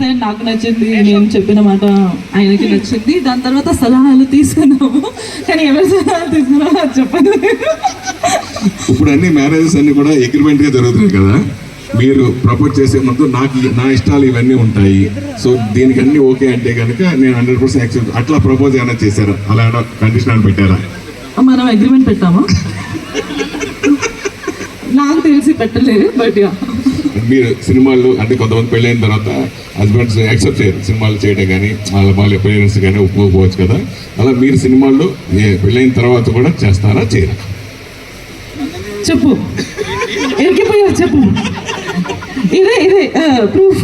Side నాకు నచ్చింది, నేను చెప్పిన మాట ఆయనకి నచ్చింది. దాని తర్వాత సలహాలు తీసుకున్నాము, కానీ ఎవరి సలహాలు తీసుకున్నామో అది చెప్పదు. ఇప్పుడు అన్ని మ్యారేజెస్ అన్ని కూడా అగ్రిమెంట్ గా జరుగుతుంది కదా. మీరు ప్రపోజ్ చేసే ముందు నా ఇష్టాలు ఇవన్నీ ఉంటాయి, సో దీనికి అన్ని ఓకే అంటే కనుక నేను 100% యాక్సెప్ట్. అట్లా ప్రపోజ్ ఏమైనా చేశారా? అలా కండిషన్ అని పెట్టారా? మనం అగ్రిమెంట్ పెట్టామా? నాకు తెలిసి పెట్టలేదు. బట్ మీరు సినిమాలు అంటే కొంతమంది పెళ్ళైన తర్వాత హస్బెండ్స్ యాక్సెప్ట్ చేయరు సినిమాలు చేయడం, కానీ వాళ్ళ పేరెంట్స్ కానీ ఒప్పుకోకపోవచ్చు కదా. అలా మీరు సినిమాల్లో పెళ్ళైన తర్వాత కూడా చేస్తారా చేయరా? చెప్పు, ఎరికిపోయా చెప్పు. ఇదే ప్రూఫ్.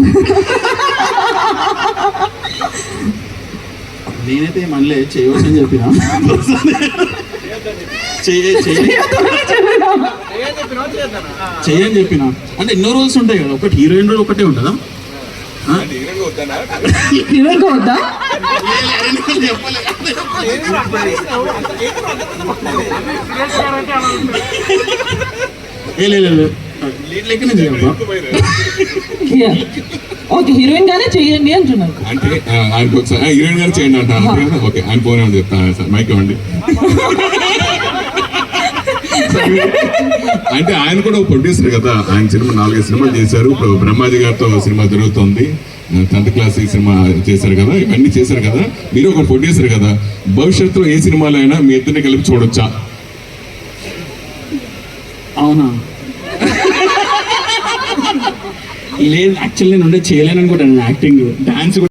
నేనైతే మళ్ళీ చేయవచ్చని చెప్పిన, చేయని చెప్పిన. అంటే ఎన్నో రోల్స్ ఉంటాయి కదా, ఒకటి హీరోయిన్ రోల్ ఒకటే ఉంటుందా? హీరోయిన్ వద్దా? లెక్కనే చేయాలి. ఓకే, హీరోయిన్ గానే చేయండి అంటున్నారు. అంటే ఆయనకు హీరోయిన్ గానే చేయండి అంటారు. ఓకే, ఆయన పోనే చెప్తాను సార్, మైక్ ఇవ్వండి. అంటే ఆయన కూడా ప్రొడ్యూసర్ కదా, ఆయన సినిమా 4-5 సినిమాలు చేశారు. ఇప్పుడు బ్రహ్మాజీ గారితో సినిమా జరుగుతుంది, 10th క్లాస్ ఈ సినిమా చేశారు కదా, ఇవన్నీ చేశారు కదా. మీరు ఒక ప్రొడ్యూసర్ కదా, భవిష్యత్తులో ఏ సినిమాలో అయినా మీ ఇద్దరిని కలిపి చూడొచ్చా? అవునా? లేదు, యాక్చువల్లీ నేను చేయలేను అనుకుంటాను. Acting, dance